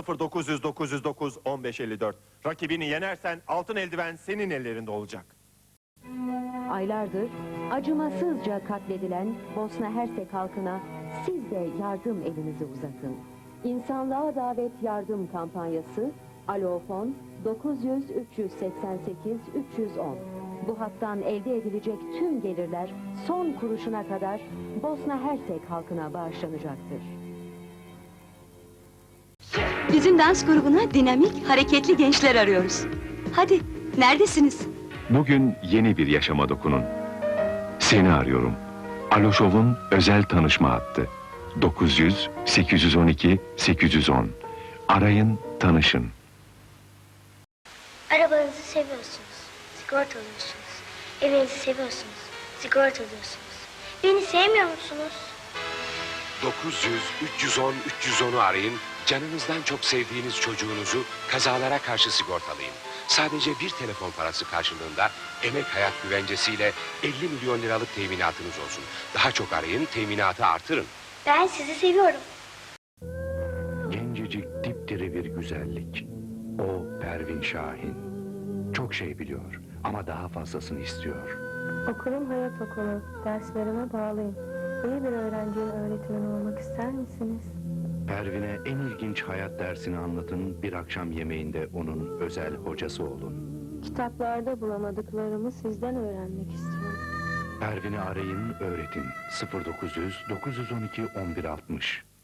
0900 909 1554. Rakibini yenersen altın eldiven senin ellerinde olacak. Aylardır acımasızca katledilen Bosna Hersek halkına siz de yardım elinizi uzatın. İnsanlığa Davet Yardım Kampanyası, Alofon 900 388 310. Bu hattan elde edilecek tüm gelirler son kuruşuna kadar Bosna Hersek halkına bağışlanacaktır. Bizim dans grubuna dinamik, hareketli gençler arıyoruz. Hadi, neredesiniz? Bugün yeni bir yaşama dokunun. Seni arıyorum. Aloşov'un özel tanışma hattı. 900 812 810. Arayın, tanışın. Arabanızı seviyorsunuz, sigortalıyorsunuz. Evinizi seviyorsunuz, sigortalıyorsunuz. Beni sevmiyor musunuz? 900 310 310'u arayın. Canınızdan çok sevdiğiniz çocuğunuzu kazalara karşı sigortalayın. Sadece bir telefon parası karşılığında emek hayat güvencesiyle 50 milyon liralık teminatınız olsun. Daha çok arayın, teminatı artırın. Ben sizi seviyorum. Gencecik dipdiri bir güzellik. O Pervin Şahin. Çok şey biliyor ama daha fazlasını istiyor. Okulum hayat okulu. Derslerime bağlıyım. İyi bir öğrencinin öğretmeni olmak ister misiniz? Pervin'e en ilginç hayat dersini anlatın, bir akşam yemeğinde onun özel hocası olun. Kitaplarda bulamadıklarımı sizden öğrenmek istiyorum. Pervin'i arayın, öğretin. 0900 912 1160.